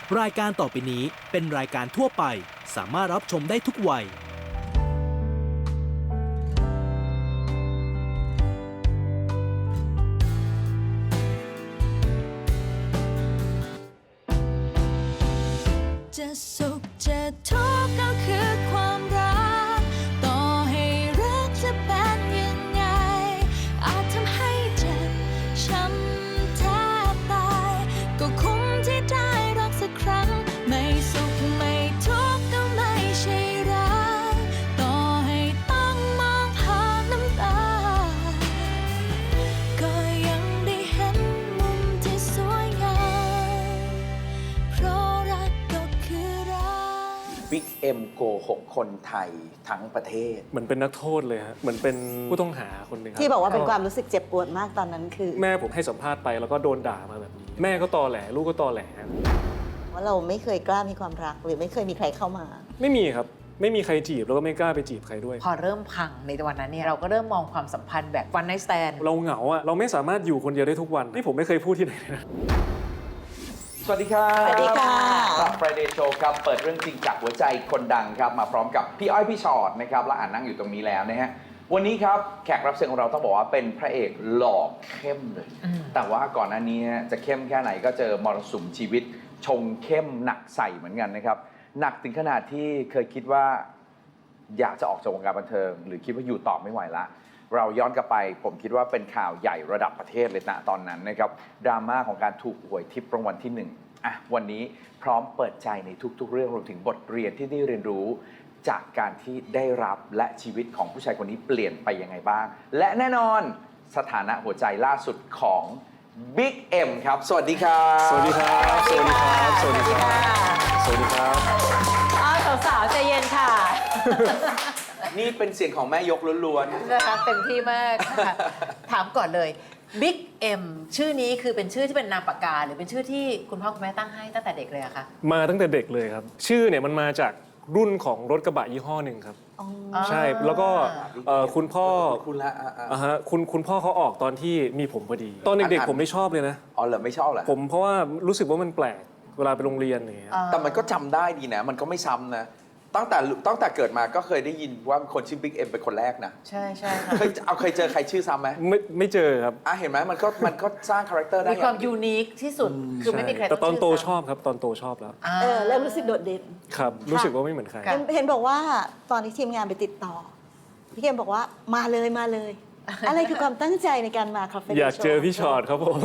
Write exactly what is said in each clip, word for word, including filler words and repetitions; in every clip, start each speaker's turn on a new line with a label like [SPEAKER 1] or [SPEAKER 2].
[SPEAKER 1] รายการต่อไปนี้เป็นรายการทั่วไปสามารถรับชมได้ทุกวัย
[SPEAKER 2] จะสุขจะทุกข์ก็คือความรักต่อให้รักจะเป็นยังไงอาจทำให้เจ็บช้ำแทบตายก็คุ้มที่ได้รักสักครั้งไม่สุขไม่ทุกข์ก็ไม่ใช่รักต่อให้ต้องมองผ่านน้ำตาก็ยังได้เห็นมุมที่สวยงามเพราะรักก็คือรัก
[SPEAKER 3] บิ๊กเอ็มโกหกคนไทยทั้งประเทศ
[SPEAKER 4] เหมือนเป็นนักโทษเลยฮะเหมือนเป็นผู้ต้องหาคนหนึ่งครับ
[SPEAKER 5] ที่บอกว่าเป็นความรู้สึกเจ็บปวดมากตอนนั้นคือ
[SPEAKER 4] แม่ผมให้สัมภาษณ์ไปแล้วก็โดนด่ามาแบบนี้ แม่ก็ตอแหลลูกก็ตอแหล
[SPEAKER 5] ว่าเราไม่เคยกล้ามีความรักหรือไม่เคยมีใครเข้ามา
[SPEAKER 4] ไม่มีครับไม่มีใครจีบแล้วก็ไม่กล้าไปจีบใครด้วย
[SPEAKER 6] พอเริ่มพังในวันนั้นเนี่ยเราก็เริ่มมองความสัมพันธ์แบบวันไนท์สแตน
[SPEAKER 4] เราเหงาอะเราไม่สามารถอยู่คนเดียวได้ทุกวันนี่ผมไม่เคยพูดที่ไหนเลยนะ
[SPEAKER 3] สวัสดีครับ
[SPEAKER 5] สวัสดีค่ะ
[SPEAKER 3] กับ Friday Show ครับเปิดเรื่องจริงจากหัวใจคนดังครับมาพร้อมกับพี่อ้อยพี่ชอตนะครับและอ่านนั่งอยู่ตรงนี้แล้วนะฮะวันนี้ครับแขกรับเชิญของเราต้องบอกว่าเป็นพระเอกหล่อเข้มเลย แต่ว่าก่อนหน้านี้จะเข้มแค่ไหนก็เจอมรสุมชีวิต ชงเข้มหนักใส่เหมือนกันนะครับหนักถึงขนาดที่เคยคิดว่าอยากจะออกจากวงการบันเทิง หรือคิดว่าอยู่ต่อไม่ไหวละเราย้อนกลับไปผมคิดว่าเป็นข่าวใหญ่ระดับประเทศเลยนะตอนนั้นนะครับดราม่าของการถูกหวยทิพย์รางวัลที่หนึ่งอ่ะวันนี้พร้อมเปิดใจในทุกๆเรื่องรวมถึงบทเรียนที่ได้เรียนรู้ จากการที่ได้รับและชีวิตของผู้ชายคนนี้เปลี่ยนไปยังไงบ้าง และแน่นอนสถานะหัวใจล่าสุดของ Big M ครับ สวัสดีครับ
[SPEAKER 4] สวัสดีครับสวัสดีครับสวัสดีครับสวัสดีครับ
[SPEAKER 6] อ้าวสาวๆใจเย็นค่ะ
[SPEAKER 3] นี่เป็นเสียงของแม่ยกล้วน
[SPEAKER 6] นะคะเต็มที่มากค่ะถามก่อนเลย Big M ชื่อนี้คือเป็นชื่อที่เป็นนามปากกาหรือเป็นชื่อที่คุณพ่อคุณแม่ตั้งให้ตั้งแต่เด็กเลยอะคะ
[SPEAKER 4] มาตั้งแต่เด็กเลยครับ ชื่อเนี่ยมันมาจากรุ่นของรถกระบะยี่ห้อหนึ่งครับ ใช่แล้วก็เอ่อคุณพ่อ
[SPEAKER 3] ๆคุณละอ่ะอ่ะ
[SPEAKER 4] อ่าฮะคุณคุณพ่อเขาออกตอนที่มีผมพอดี ตอนเด็กๆผมไม่ชอบเลยนะ
[SPEAKER 3] อ๋อเหรอไม่ชอบเหรอ
[SPEAKER 4] ผมเพราะว่ารู้สึกว่ามันแปลกเวลาไปโรงเรียนอย่างเงี้ย
[SPEAKER 3] แต่มันก็จำได้ดีนะ มันก็ไม่ซ้ำนะ ตั้งแต่ตั้งแต่เกิดมาก็เคยได้ยินว่าคนชื่อ Big M เป็นคนแรกนะ
[SPEAKER 6] ใช่ใช่ค่ะ
[SPEAKER 3] เคยเอาเคยเจอใครชื่อซ้ำไหม
[SPEAKER 4] ไม่ไม่เจอครับ
[SPEAKER 3] อ่ะเห็นไหมมันก็มันก็สร้างคาแรคเตอร์ได้
[SPEAKER 6] มีความยูนิคที่สุดคือไม่มีใคร
[SPEAKER 4] แต่ตอนโต
[SPEAKER 6] ง
[SPEAKER 4] ชอบครับตอนโตชอบแล้ว
[SPEAKER 6] า
[SPEAKER 5] เออเริ่มรู้สึกโดดเด่น
[SPEAKER 4] ครับ รู้สึกว่าไม่เหมือนใคร
[SPEAKER 6] ค่ะ
[SPEAKER 5] เห็นเห็นบอกว่าตอนที่ทีมงานไปติดต่อ พี่เกมบอกว่ามาเลยมาเลย อะไรคือความตั้งใจในการมาคาเฟ่
[SPEAKER 4] อยากเจอพี่ชอตครับผม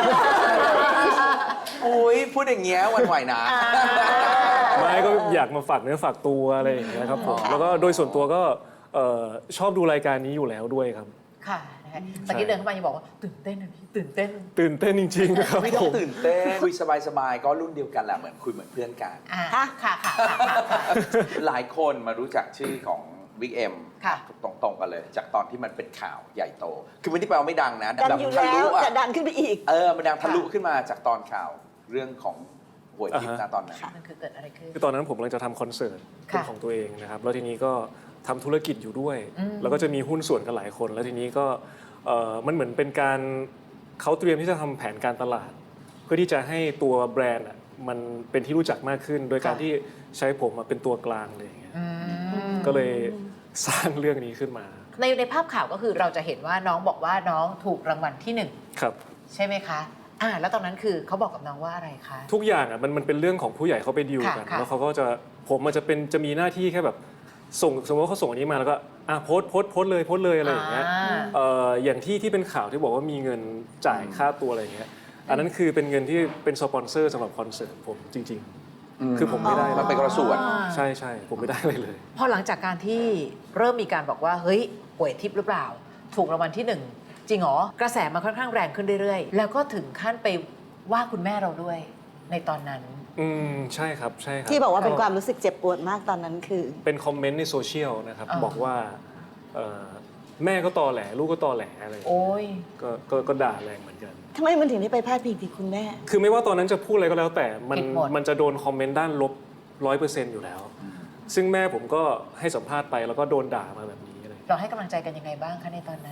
[SPEAKER 3] อุ้ยพูดอย่างเงี้ยหวันไหวนะ
[SPEAKER 4] ไม่ก็อยากมาฝากเนื้อฝากตัวอะไรอย่างเงี้ยครับผมแล้วก็โดยส่วนตัวก็เอ่อชอบดูรายการนี้อยู่แล้วด้วยครับ
[SPEAKER 6] ค่ะนะคะตะกี้เดินเข้ามายังบอกว่าตื่นเต้นนะพี่ตื่นเต้น
[SPEAKER 4] ตื่นเต้นจริงๆครับ
[SPEAKER 3] ไม่ต้อ
[SPEAKER 4] ผ
[SPEAKER 3] ง
[SPEAKER 4] ม
[SPEAKER 3] ตื่นเต้นคุยสบายๆก็รุ่นเดียวกันแหละเหมือนคุยเหมือนเพื่อนกัน
[SPEAKER 6] อ่าค่ะค่ะค่ะค่ะค่ะ
[SPEAKER 3] หลายคนมารู้จักชื่อของ Big M
[SPEAKER 6] ค่ะ
[SPEAKER 3] ตรงๆกันเลย จากตอนที่มันเป็นข่าวใหญ่โต คือไม่ได้แปลว่าไม่ดังนะ
[SPEAKER 5] ดังอยู่
[SPEAKER 3] ทะ
[SPEAKER 5] แล้
[SPEAKER 3] ลุ
[SPEAKER 5] ว
[SPEAKER 3] อะ
[SPEAKER 5] จะดังขึ้นไปอีก
[SPEAKER 3] เออมันดังทะลุขึ้นมาจากตอนข่าวเรื่องของหวยทิพย์นะตอนนั้น
[SPEAKER 6] มันคือเกิดอะไรขึ้น
[SPEAKER 4] คือตอนนั้นผมกำลังจะทำคอนเสิร์ตเป็น
[SPEAKER 6] ค่ะ
[SPEAKER 4] ของตัวเองนะครับแล้วทีนี้ก็ทำธุรกิจอยู่ด้วย
[SPEAKER 6] อืม
[SPEAKER 4] แล้วก็จะมีหุ้นส่วนกันหลายคน แล้วทีนี้ก็เอ่อมันเหมือนเป็นการเขาเตรียมที่จะทำแผนการตลาด เพื่อที่จะให้ตัวแบรนด์อะมันเป็นที่รู้จักมากขึ้น โดยการที่ใช้ผมมาเป็นตัวกลางเลยอย่างเงี้ย
[SPEAKER 6] อืม
[SPEAKER 4] ก็เลยสร้างเรื่องนี้ขึ้นมา
[SPEAKER 6] ในในภาพข่าวก็คือเราจะเห็นว่าน้องบอกว่าน้องถูกรางวัลที่หนึ่ง
[SPEAKER 4] ครับ
[SPEAKER 6] ใช่ไหมคะอ่าแล้วตอนนั้นคือเขาบอกกับน้องว่าอะไรคะ
[SPEAKER 4] ทุกอย่างอ่ะมันมันเป็นเรื่องของผู้ใหญ่เขาไปดีลกัน
[SPEAKER 6] ค่ะค่ะ
[SPEAKER 4] แล้วเขาก็จะผมมันจะเป็นจะมีหน้าที่แค่แบบส่งสมมติว่าเขาส่งอันนี้มาแล้วก็อ่ะโพสต์โพสต์โพสต์เลยโพสต์เลยอะไรอย่างเงี้ย
[SPEAKER 6] า
[SPEAKER 4] เอ่ออย่างที่ที่เป็นข่าวที่บอกว่ามีเงินจ่ายค่าตัวอะไรอย่างเงี้ยอันนั้นคือเป็นเงินที่เป็นสปอนเซอร์สำหรับคอนเสิร์ตผมจริง ๆ คือผมไม่ได้
[SPEAKER 3] มันเป็นกระส่วน
[SPEAKER 4] ใช่ใช่ผมไม่ได้เลยเลย
[SPEAKER 6] พอหลังจากการที่เริ่มมีการบอกว่าเฮ้ยหวยทิพย์หรือเปล่า ถูกรางวัลที่หนึ่งจริงเหรอกระแสมันค่อนข้างแรงขึ้นเรื่อยๆ แล้วก็ถึงขั้นไปว่าคุณแม่เราด้วยในตอนนั้น
[SPEAKER 4] อืมใช่ครับใช่ครับ
[SPEAKER 5] ที่บอกว่าเป็นความรู้สึกเจ็บปวดมากตอนนั้นคือ
[SPEAKER 4] เป็นคอมเมนต์ในโซเชียลนะครับ
[SPEAKER 6] อ่า
[SPEAKER 4] บอกว่าเอ่อแม่ก็ตอแหลลูกก็ตอแหลอะไรอย่างเงี้ย
[SPEAKER 6] โอ้ย
[SPEAKER 4] ก็ก็ก็ด่าแรงเหมือนกัน
[SPEAKER 5] ทำไมมันถึงได้ไปพาดพิงถึงคุณแม่
[SPEAKER 4] คือไม่ว่าตอนนั้นจะพูดอะไรก็แล้วแต่มัน
[SPEAKER 6] ผิดหมด
[SPEAKER 4] มันจะโดนคอมเมนต์ด้านลบร้อยเปอร์เซ็นต์อยู่แล้ว ซึ่งแม่ผมก็ให้สัมภาษณ์ไปแล้วก็โดนด่ามาแบบนี้อะไร
[SPEAKER 6] เราให้กำลังใจกันยังไงบ้างคะในตอนนั้น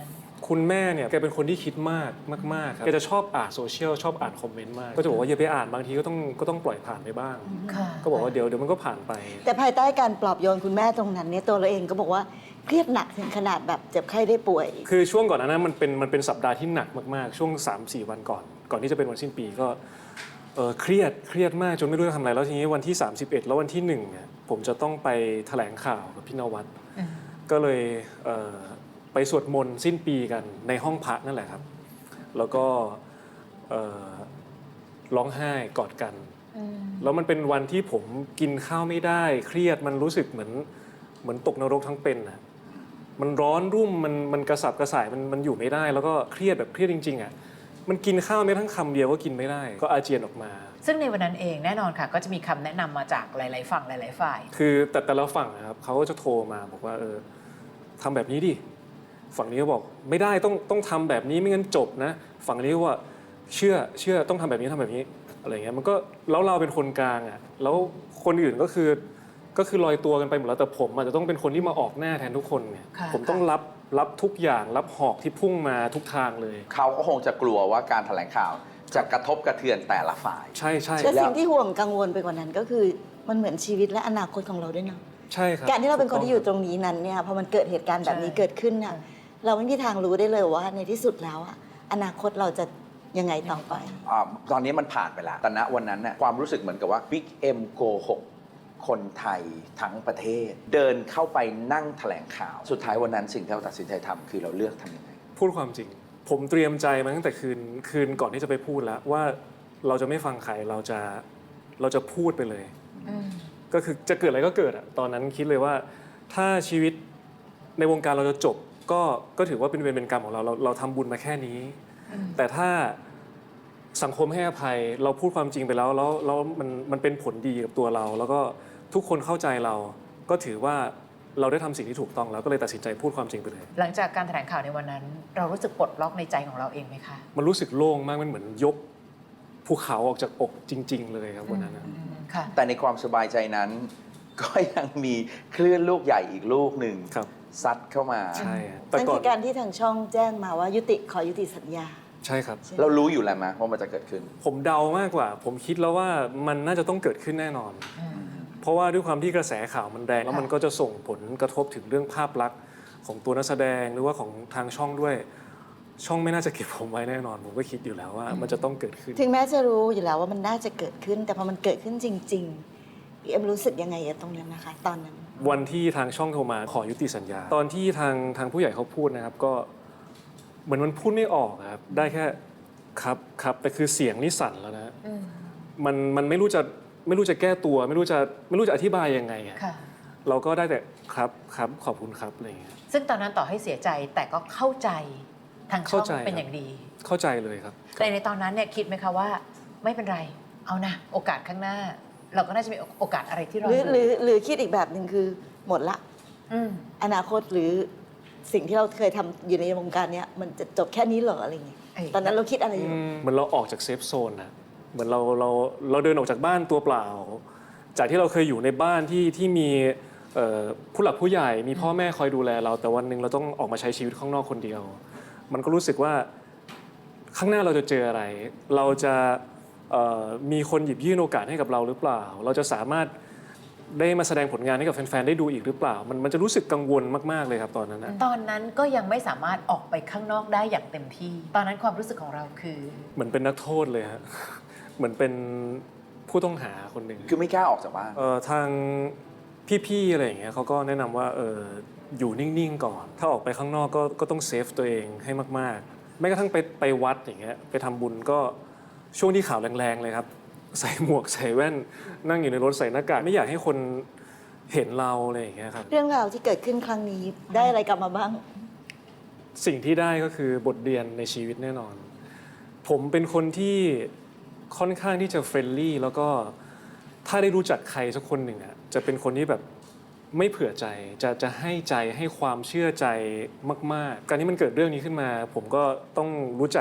[SPEAKER 4] คุณแม่เนี่ยแกเป็นคนที่คิดมากมากๆครับแกจะชอบอ่านโซเชียลชอบอ่านคอมเมนต์มากก็จะบอกว่าอย่าไปอ่านบางทีก็ต้องก็ต้องปล่อยผ่านไปบ้าง
[SPEAKER 6] ค่ะ
[SPEAKER 4] ก็บอกว่าเดี๋ยวเดี๋ยวมันก็ผ่านไป
[SPEAKER 5] แต่ภายใต้การปลอบโยนคุณแม่ตรงนั้นเนี่ยตัวเราเองก็บอกว่าเครียดหนักถึงขนาดแบบเจ็บไข้ได้ป่วย
[SPEAKER 4] คือช่วงก่อนหนานั้นมันเป็นมันเป็นสัปดาห์ที่หนักมากๆ ช่วง สามสี่ วันก่อน ก่อนที่จะเป็นวันสิ้นปีก็เออเครียดเครียดมากจนไม่รู้จะทำอะไรแล้วทีนี้วันที่ สามสิบเอ็ด แล้ววันที่หนึ่งเนี่ยผมจะต้องไปแถลงข่าวกับพี่นวัดก็เลยเอ่อไปสวดมนต์สิ้นปีกันในห้องพระนั่นแหละครับ แล้วก็เอ่อร้องไห้กอดกัน แล้วมันเป็นวันที่ผมกินข้าวไม่ได้เครียดมันรู้สึกเหมือนเหมือนตกนรกทั้งเป็นอ่ะมันร้อนรุ่มมันมันกระสับกระส่ายมันมันอยู่ไม่ได้ แล้วก็เครียดแบบเครียดจริงๆอ่ะมันกินข้าวไม่ทั้งคำเดียวก็กินไม่ได้ก็อาเจียนออกมา
[SPEAKER 6] ซึ่งในวันนั้นเองแน่นอนค่ะก็จะมีคำแนะนำมาจากหลาย ๆ ฝั่งหลาย ๆ ฝ่าย
[SPEAKER 4] คือแต่แต่ละฝั่งนะครับเขาก็จะโทรมาบอกว่าเออทำแบบนี้ดิฝั่งนี้ก็บอกไม่ได้ต้องต้องทำแบบนี้ไม่งั้นจบนะฝั่งนี้ก็ว่าเชื่อเชื่อต้องทำแบบนี้ทำแบบนี้อะไรเงี้ยมันก็แล้วเราเป็นคนกลางอ่ะแล้วคนอื่นก็คือก็คือลอยตัวกันไปหมดแล้วแต่ผมอาจจะต้องเป็นคนที่มาออกหน้าแทนทุกคนเนี่ย
[SPEAKER 6] ค่ะ
[SPEAKER 4] ผมต้องรับรับทุกอย่างรับหอกที่พุ่งมาทุกทางเลย
[SPEAKER 3] เขาก็คงจะกลัวว่าการแถลงข่าวจะกระทบกระเทือนแต่ละฝ่าย
[SPEAKER 4] ใช่ใช่
[SPEAKER 5] แต่สิ่งที่ห่วงกังวลไปกว่านั้นก็คือมันเหมือนชีวิตและอนาคตของเราด้วยเนาะ
[SPEAKER 4] ใช่ครับ
[SPEAKER 5] การที่เราเป็นคนที่อยู่ตรงนี้นั้นเนี่ยพอมันเกิดเหตุการณ์แบบนี้เกิดขึ้นเนี่ยเราไม่มีทางรู้ได้เลยว่าในที่สุดแล้วอะอนาคตเราจะยังไงต่อไป
[SPEAKER 3] อาตอนนี้มันผ่านไปแล้วแต่ณวันนั้นน่ะความรู้สึกเหมือนกับว่าบิ๊กเอ็มโกหกคนไทยทั้งประเทศ เดินเข้าไปนั่งแถลงข่าว สุดท้ายวันนั้นสิ่งที่เราตัดสินใจทำคือเราเลือกทำยังไง
[SPEAKER 4] พูดความจริง ผมเตรียมใจมาตั้งแต่คืนคืนก่อนที่จะไปพูดแล้วว่าเราจะไม่ฟังใครเราจะเราจะพูดไปเลย ก็คือจะเกิดอะไรก็เกิดอะตอนนั้นคิดเลยว่าถ้าชีวิตในวงการเราจะจบก็ก็ถือว่าเป็นเวรเป็นกรรมของเราเราเราทำบุญมาแค่นี้ แต่ถ้าสังคมให้อภัยเราพูดความจริงไปแล้วแล้วแล้วมันมันเป็นผลดีกับตัวเรา แล้วก็ทุกคนเข้าใจเราก็ถือว่าเราได้ทำสิ่งที่ถูกต้องแล้วก็เลยตัดสินใจพูดความจริงไปเลย
[SPEAKER 6] หลังจากการแถลงข่าวในวันนั้น เรารู้สึกปลดล็อกในใจของเราเองไหมคะ
[SPEAKER 4] มันรู้สึกโล่งมากมันเหมือนยกภูเขาออกจากอกจริง ๆ เลยครับวันนั้นนะ
[SPEAKER 6] ค่ะ
[SPEAKER 3] แต่ในความสบายใจนั้น ก็ยังมีคลื่นลูกใหญ่อีกลูกหนึ่ง
[SPEAKER 4] ครับ
[SPEAKER 3] ซัดเข้ามา
[SPEAKER 4] ใช่ครับแต่
[SPEAKER 5] นั่น
[SPEAKER 4] ก่อ
[SPEAKER 5] คื
[SPEAKER 4] น
[SPEAKER 5] อการที่ทางช่องแจ้งมาว่ายุติขอยุติสัญญา
[SPEAKER 4] ใช่ครับ
[SPEAKER 3] เรารู้อยู่แล้วไหมว่ามันจะเกิดขึ้น
[SPEAKER 4] ผมเดามากกว่า ผมคิดแล้วว่ามันน่าจะต้องเกิดขึ้นแน่นอน เพราะว่าด้วยความที่กระแสข่าวมันแรงแล้วมันก็จะส่งผลกระทบถึงเรื่องภาพลักษณ์ของตัวนักแสดงหรือว่าของทางช่องด้วย ช่องไม่น่าจะเก็บผมไว้แน่นอน ผมก็คิดอยู่แล้วว่ามันจะต้องเกิดขึ้น
[SPEAKER 5] ถึงแม้จะรู้อยู่แล้วว่ามันน่าจะเกิดขึ้น แต่พอมันเกิดขึ้นจริงๆพี่เอ็มรู้สึกยังไงกับตรงนั้นนะคะ ตอนนั้น
[SPEAKER 4] วันที่ทางช่องโทรมาขอยุติสัญญา ตอนที่ทางทางผู้ใหญ่เขาพูดนะครับก็เหมือนมันพูดไม่ออกครับได้แค่ครับครับแต่คือเสียงนี่สั่นแล้วนะมันมันไม่รู้จะไม่รู้จะแก้ตัว ไม่รู้จะไม่รู้จะอธิบายยังไงอะ
[SPEAKER 6] ค่ะ
[SPEAKER 4] เราก็ได้แต่ครับครับขอบคุณครับอะไรอย่างเงี้ย
[SPEAKER 6] ซึ่งตอนนั้นต่อให้เสียใจแต่ก็เข้าใจทางช่อง
[SPEAKER 4] เข้าใจ
[SPEAKER 6] เป็นอย่างดี
[SPEAKER 4] เข้าใจเลยครับ
[SPEAKER 6] แต่ในตอนนั้นเนี่ยคิดไหมคะว่าไม่เป็นไร เอานะโอกาสข้างหน้า เราก็น่าจะมีโอกาสอะไรที่เรา
[SPEAKER 5] หรือหรือหรือคิดอีกแบบหนึ่งคือหมดละ
[SPEAKER 6] อืม
[SPEAKER 5] อนาคตหรือสิ่งที่เราเคยทำอยู่ในวงการเนี้ยมันจะจบแค่นี้เหรออะไรอย่างเงี้ย
[SPEAKER 6] เอ้ย
[SPEAKER 5] ตอนนั้นเราคิดอะไรอยู่
[SPEAKER 4] เหมือนเราออกจากเซฟโซนนะเหมือนเราเราเราเดินออกจากบ้านตัวเปล่า จากที่เราเคยอยู่ในบ้านที่ที่มีเอ่อผู้หลักผู้ใหญ่มีพ่อแม่คอยดูแลเราแต่วันหนึ่งเราต้องออกมาใช้ชีวิตข้างนอกคนเดียว มันก็รู้สึกว่าข้างหน้าเราจะเจออะไร เราจะเอ่อมีคนหยิบยื่นโอกาสให้กับเราหรือเปล่า เราจะสามารถได้มาแสดงผลงานให้กับแฟนๆได้ดูอีกหรือเปล่า มันมันจะรู้สึกกังวลมากๆเลยครับตอนนั้นนะ
[SPEAKER 6] ตอนนั้นก็ยังไม่สามารถออกไปข้างนอกได้อย่างเต็มที่ ตอนนั้นความรู้สึกของเราคือ
[SPEAKER 4] เหมือนเป็นนักโทษเลยฮะ เหมือนเป็นผู้ต้องหาคนหนึ่ง
[SPEAKER 3] คือไม่กล้าออกจากบ้าน
[SPEAKER 4] เอ่อทางพี่ๆอะไรอย่างเงี้ยเขาก็แนะนำว่าเอออยู่นิ่งๆก่อน ถ้าออกไปข้างนอกก็ก็ต้องเซฟตัวเองให้มากๆแม้กระทั่งไปไปวัดอย่างเงี้ยไปทำบุญก็ช่วงที่ข่าวแรงๆเลยครับ ใส่หมวกใส่แว่นนั่งอยู่ในรถใส่หน้ากากไม่อยากให้คนเห็นเราอะไรอย่างเงี้ยครับ
[SPEAKER 5] เรื่องราวที่เกิดขึ้นครั้งนี้ได้อะไรกลับมาบ้าง
[SPEAKER 4] สิ่งที่ได้ก็คือบทเรียนในชีวิตแน่นอน ผมเป็นคนที่ค่อนข้างที่จะเฟรนลี่แล้วก็ถ้าได้รู้จักใครสักคนหนึ่งอ่ะจะเป็นคนที่แบบไม่เผื่อใจจะจะให้ใจให้ความเชื่อใจมากๆ การที่มันเกิดเรื่องนี้ขึ้นมา ผมก็ต้องรู้จัก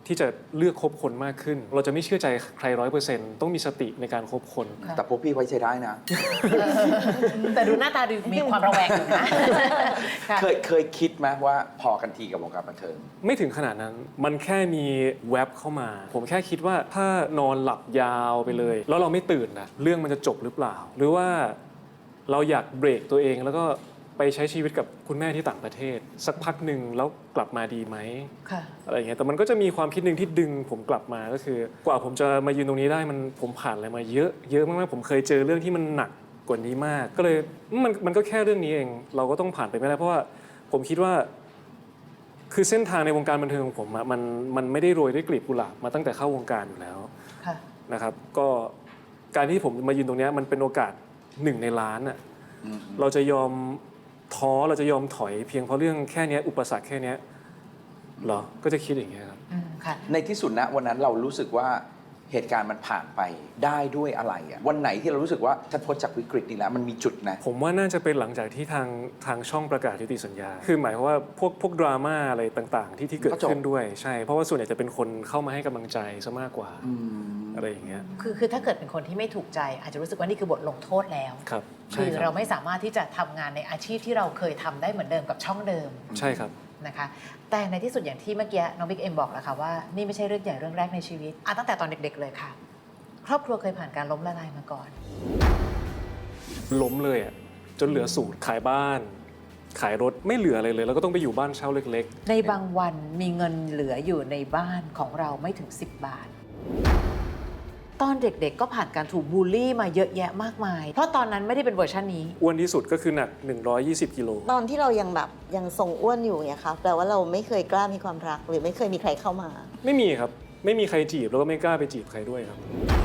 [SPEAKER 4] ที่จะเลือกคบคนมากขึ้น เราจะไม่เชื่อใจใครร้อยเปอร์เซ็นต์ต้องมีสติในการคบคน
[SPEAKER 6] ค่ะ
[SPEAKER 3] แต่พวกพี่ไว้ใจได้นะ
[SPEAKER 6] แต่ดูหน้าตาดูมีความระแวงอยู่นะค่ะ
[SPEAKER 3] เคยเคยคิดไหมว่าพอกันทีกับวงการบันเทิง
[SPEAKER 4] ไม่ถึงขนาดนั้น มันแค่มีแว็บเข้ามา ผมแค่คิดว่าถ้านอนหลับยาวไปเลย แล้วเราไม่ตื่นนะเรื่องมันจะจบหรือเปล่า หรือว่าเราอยากเบรกตัวเองแล้วก็ไปใช้ชีวิตกับคุณแม่ที่ต่างประเทศ สักพักหนึ่งแล้วกลับมาดีไหม
[SPEAKER 6] ค่ะ
[SPEAKER 4] อะไรอย่างเงี้ยแต่มันก็จะมีความคิดหนึ่งที่ดึงผมกลับมาก็คือ กว่าผมจะมายืนตรงนี้ได้มันผมผ่านอะไรมาเยอะเยอะมากๆผมเคยเจอเรื่องที่มันหนักกว่านี้มาก ก็เลยมันมันก็แค่เรื่องนี้เอง เราก็ต้องผ่านไปไม่ได้เพราะว่าผมคิดว่า คือเส้นทางในวงการบันเทิงของผมอะมันมันไม่ได้โรยด้วยกลีบกุหลาบมาตั้งแต่เข้าวงการอยู่แล้ว
[SPEAKER 6] ค่ะ
[SPEAKER 4] นะครับก็การที่ผมมายืนตรงเนี้ยมันเป็นโอกาสหนึ่งในล้านอ่ะเราจะยอมท้อเราจะยอมถอยเพียงเพราะเรื่องแค่เนี้ยอุปสรรคแค่เนี้ยเหรอก็จะคิดอย่างเงี้ยครับ
[SPEAKER 6] อืมค่ะ
[SPEAKER 3] ในที่สุดนะวันนั้นเรารู้สึกว่าเหตุการณ์มันผ่านไปได้ด้วยอะไรอะวันไหนที่เรารู้สึกว่าฉันพ้นจากวิกฤตนี้แล้วมันมีจุดนะ
[SPEAKER 4] ผมว่าน่าจะเป็นหลังจากที่ทางทางช่องประกาศยุติสัญญา คือหมายความว่าพวกพวกดราม่าอะไรต่างๆ ที่ที่เกิด
[SPEAKER 3] ก็จบ
[SPEAKER 4] ขึ้นด้วยใช่เพราะว่าส่วนใหญ่จะเป็นคนเข้ามาให้กำลังใจซะมากกว่า
[SPEAKER 3] อืม
[SPEAKER 4] อะไรอย่างเงี้ย
[SPEAKER 6] คือคือถ้าเกิดเป็นคนที่ไม่ถูกใจ อาจจะรู้สึกว่านี่คือบทลงโทษแล้ว
[SPEAKER 4] ครับ
[SPEAKER 6] คื
[SPEAKER 4] ใช่
[SPEAKER 6] อ
[SPEAKER 4] ค
[SPEAKER 6] เรา
[SPEAKER 4] รับ
[SPEAKER 6] ไม่สามารถที่จะทำงานในอาชีพที่เราเคยทำได้เหมือนเดิมกับช่องเดิม
[SPEAKER 4] ใช่ครับ
[SPEAKER 6] นะคะแต่ในที่สุดอย่างที่เมื่อกี้น้องบิ๊กเอ็มบอกแล้วค่ะว่านี่ไม่ใช่เรื่องใหญ่เรื่องแรกในชีวิตอ่ะตั้งแต่ตอนเด็กๆเลยค่ะ ครอบครัวเคยผ่านการล้มละลายมาก่อน
[SPEAKER 4] ล้มเลยอ่ะจนเหลือสูตรขายบ้าน ขายรถไม่เหลืออะไรเลย แล้วก็ต้องไปอยู่บ้านเช่าเล็ก
[SPEAKER 6] ในบางวันมีเงินเหลืออยู่ในบ้านของเราไม่ถึงสิบบาท ตอนเด็กๆก็ผ่านการถูกบูลลี่มาเยอะแยะมากมาย เพราะตอนนั้นไม่ได้เป็นเวอร์ชันนี้
[SPEAKER 4] ๆอ้วนที่สุดก็คือหนักหนึ่งร้อยยี่สิบกิโล
[SPEAKER 5] ตอนที่เรายังแบบยังทรงอ้วนอยู่เนี่ยครับแปลว่าเราไม่เคยกล้ามีความรักหรือไม่เคยมีใครเข้ามา
[SPEAKER 4] ไม่มีครับ ไม่มีใครจีบแล้วก็ไม่กล้าไปจีบใครด้วยครับ